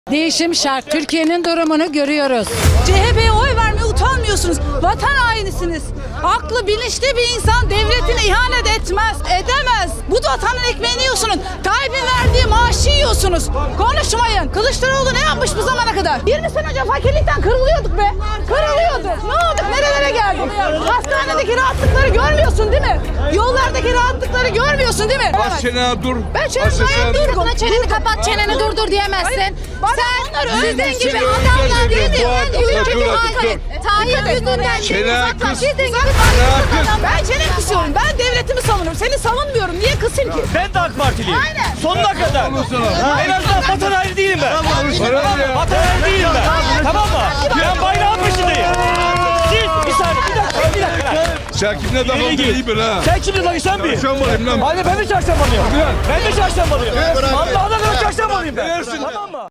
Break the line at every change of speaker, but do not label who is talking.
Değişim şart. Türkiye'nin durumunu görüyoruz.
CHP'ye oy vermeye utanmıyorsunuz. Vatan hainisiniz. Aklı bilinçli bir insan devletine ihanet etmez, edemez. Bu vatanın ekmeğini yiyorsunuz. Tayyip'in verdiği maaşı yiyorsunuz. Konuşmayın. Kılıçdaroğlu ne yapmış bu zamana kadar? 20 sene önce fakirlikten kırılıyorduk be. Kırılıyorduk. Ne olduk? Nerelere geldik? Hastanedeki rahatlıkları görmüyorsun değil mi? Yollardaki rahatlıkları görmüyorsun değil mi?
Bas çenene dur.
Ben çenemi dur.
Buna çeneni kapat, çeneni durdur diyemezsin.
Sen
Sizin gibi
Seni
adamlar
öldüreceğim.
değil
Bu
mi?
adam- dur,
Tayyip yüzünden
Çene kız.
Sizin gibi
Ben çenemi kısıyorum. Ben devletimi savunurum. Seni savunmuyorum. Niye kısayım ki?
Ben de AK Partiliyim.
Aynen.
Sonuna kadar. En azından vatan haini değilim ben. Tamam mı? Vatan haini değilim ben. Tamam mı? Ben bayrağın peşindeyim. Siz bir saniye bir dakika.
Sen kimle dalga iyi bil ha.
Sen kimle lan sen bir?
Çarşambalıyım lan.
Hadi ben de çarşambalıyım. Ben de çarşambalıyım. Allah'ına kadar çarşambalıyım ben. Tamam mı?